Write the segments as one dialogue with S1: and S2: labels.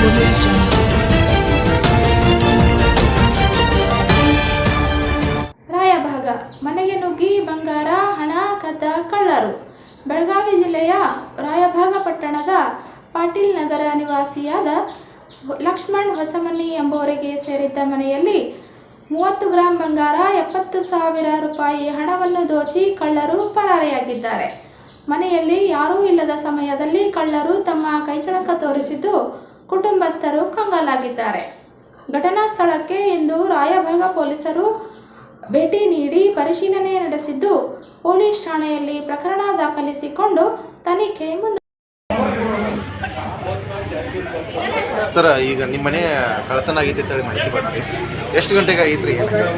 S1: ರಾಯಭಾಗ ಮನೆಗೆ ನುಗ್ಗಿ ಬಂಗಾರ ಹಣ ಕದ್ದ ಕಳ್ಳರು. ಬೆಳಗಾವಿ ಜಿಲ್ಲೆಯ ರಾಯಭಾಗ ಪಟ್ಟಣದ ಪಾಟೀಲ್ ನಗರ ನಿವಾಸಿಯಾದ ಲಕ್ಷ್ಮಣ್ ಹೊಸಮನಿ ಎಂಬುವರಿಗೆ ಸೇರಿದ್ದ ಮನೆಯಲ್ಲಿ 30 ಗ್ರಾಂ ಬಂಗಾರ 70,000 ರೂಪಾಯಿ ಹಣವನ್ನು ದೋಚಿ ಕಳ್ಳರು ಪರಾರಿಯಾಗಿದ್ದಾರೆ. ಮನೆಯಲ್ಲಿ ಯಾರೂ ಇಲ್ಲದ ಸಮಯದಲ್ಲಿ ಕಳ್ಳರು ತಮ್ಮ ಕೈಚಳಕ ತೋರಿಸಿದ್ದು ಕುಟುಂಬಸ್ಥರು ಕಂಗಾಲಾಗಿದ್ದಾರೆ. ಘಟನಾ ಸ್ಥಳಕ್ಕೆ ಇಂದು ರಾಯಭಾಗ ಪೊಲೀಸರು ಭೇಟಿ ನೀಡಿ ಪರಿಶೀಲನೆ ನಡೆಸಿದ್ದು ಪೊಲೀಸ್ ಠಾಣೆಯಲ್ಲಿ ಪ್ರಕರಣ ದಾಖಲಿಸಿಕೊಂಡು ತನಿಖೆ ಮುಂದೆ.
S2: ಸರ್, ಈಗ ನಿಮ್ಮ ಮನೆ ಕಳ್ಳತನ ಆಗೈತೆ ಅಂತ ಹೇಳಿ ಮಾಹಿತಿ ಬರ್ತೀವಿ. ಎಷ್ಟು ಗಂಟೆಗೆ ಆಗೈತ್ರಿ?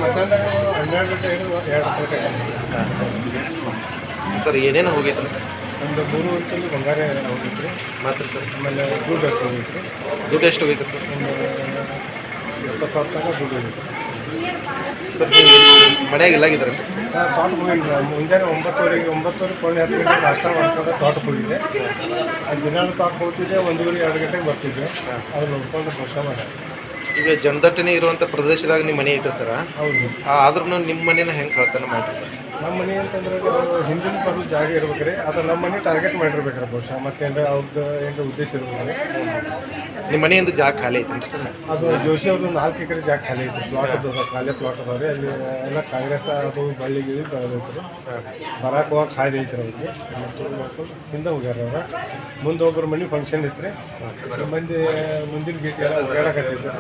S2: ಸರ್, ಏನೇನು ಹೋಗೈತೆ?
S3: ಒಂದು 3 ವರ್ಷದಲ್ಲಿ ಬಂಗಾರ ಹೋಗಿತ್ತು ರೀ.
S2: ಮಾತ್ರ ಸರ್?
S3: ಆಮೇಲೆ ದುಡ್ಡು ಎಷ್ಟು ಹೋಗಿತ್ತು ರೀ?
S2: ದುಡ್ಡು ಎಷ್ಟು ಹೋಗೈತೆ ಸರ್?
S3: ಒಂದು 70,000 ತನಕ ದುಡ್ಡು ಹೋಗಿತ್ತು.
S2: ಸರ್, ಮನೆಯಾಗ ಎಲ್ಲಾಗಿದ್ದಾರೆ?
S3: ತೋಟಕ್ಕೆ ಹೋಗಿಲ್ಲ. ಮುಂಜಾನೆ 9:30 ಪೌಣೆ 10 ಗಂಟೆಗೆ ನಾಷ್ಟ ಮಾಡ್ಕೊಂಡು ತೋಟಕ್ಕೆ ಹೋಗಿದ್ದೆ. ಅದು ದಿನಾಲು ತೋಟಕ್ಕೆ ಹೋಗ್ತಿದ್ದೆ. 1:30-2 ಗಂಟೆಗೆ ಬರ್ತಿದ್ದೆ. ಅದು ನೋಡ್ಕೊಂಡು ವರ್ಷ ಮಾಡಿ.
S2: ಈಗ ಜನದಟ್ಟಣೆ ಇರುವಂಥ ಪ್ರದೇಶದಾಗ ನಿಮ್ಮ ಮನೆ ಐತೆ ಸರ?
S3: ಹೌದು.
S2: ಆದ್ರೂ ನಿಮ್ಮ ಮನೇನ ಹೆಂಗೆ ಕಳ್ತನ ಮಾಡಿರ್ತಾರೆ?
S3: ನಮ್ಮ ಮನೆ ಅಂತಂದ್ರೆ ಹಿಂದಿನ ಬರೋ ಜಾಗ ಇರ್ಬೇಕ್ರಿ. ಅದು ನಮ್ಮ ಮನೆ ಟಾರ್ಗೆಟ್ ಮಾಡಿರ್ಬೇಕ್ರಿ ಬಹುಶಃ. ಮತ್ತೇನು ಅವ್ರದ್ದು ಏನು ಉದ್ದೇಶ ಇರ್ಬೋದು.
S2: ನಿಮ್ಮ ಮನೆಯಿಂದ ಜಾಗ ಖಾಲಿ ಐತೆ ಸರ್?
S3: ಅದು ಜೋಶಿ ಅವ್ರದ್ದು 4 ಎಕರೆ ಜಾಗ ಖಾಲಿ ಐತಿ. ಪ್ಲಾಟ್ ಅದ, ಖಾಲಿ ಪ್ಲಾಟ್ ಅದಾವೆ. ಅಲ್ಲಿ ಎಲ್ಲ ಕಾಂಗ್ರೆಸ್ ಅದು ಬಳ್ಳಿ ಗಿಳಿ ಬೆಳೆದೈತೆ ರೀ. ಬರಾಕ್ ಹೋಗಕ್ಕೆ ಹಾಯ್ದು ಐತ್ರಿ ಅವ್ರಿಗೆ. ಮತ್ತು ನೋಡ್ಕೊಂಡು ಹಿಂದೆ ಹೋಗ್ಯಾರ ಅವ್ರ. ಮುಂದೆ ಒಬ್ಬರು ಮನೆ ಫಂಕ್ಷನ್ ಇತ್ತು ರೀ. ಮಂದಿ ಮುಂದಿನ ಗೇಟ್ ಎಲ್ಲ ಓಡಾಡಕತ್ತೈತೆ.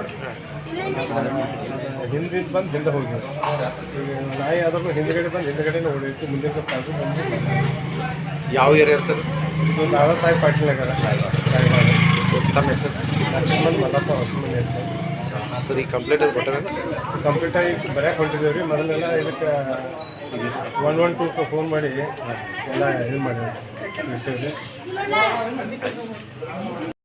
S3: ಹಿಂದಿನ ಬಂದು ಹಿಂದೆ ಹೋಗ್ಯಾರ. ಈಗ ನಾಯಿ ಆದ್ರೂ ಹಿಂದ್ಗಡೆ ಬಂದು ಹಿಂದ್ಗಡೆನೇ ಓಡೈತಿ. ಮುಂದಿನ ಕಾಸು ಬಂದು.
S2: ಯಾವ ಏರಿಯಾ ಸರ್?
S3: ಇದು ದಾದಾ ಸಾಹೇಬ್ ಪಾಟೀಲ್ ನಗರ.
S2: ತಮ್ಮ ಹೆಸರು?
S3: ಲಕ್ಷ್ಮಣ್ ಮಲ್ಲಪ್ಪ ಹೊಸಮನಿ ಅಂತ.
S2: ಸರ್, ಈ ಕಂಪ್ಲೇಂಟ್ ಅದು ಕೊಟ್ಟಾರ?
S3: ಕಂಪ್ಲೀಟ್ ಆಗಿ ಬರೆಯಕ್ಕೆ ಹೊಂಟಿದ್ದೇವೆ ರೀ. ಮೊದಲೆಲ್ಲ ಇದಕ್ಕೆ 112 ಫೋನ್ ಮಾಡಿ ಎಲ್ಲ ಇದು ಮಾಡಿ ತಿಳಿಸ್ತೇವೆ ರೀ.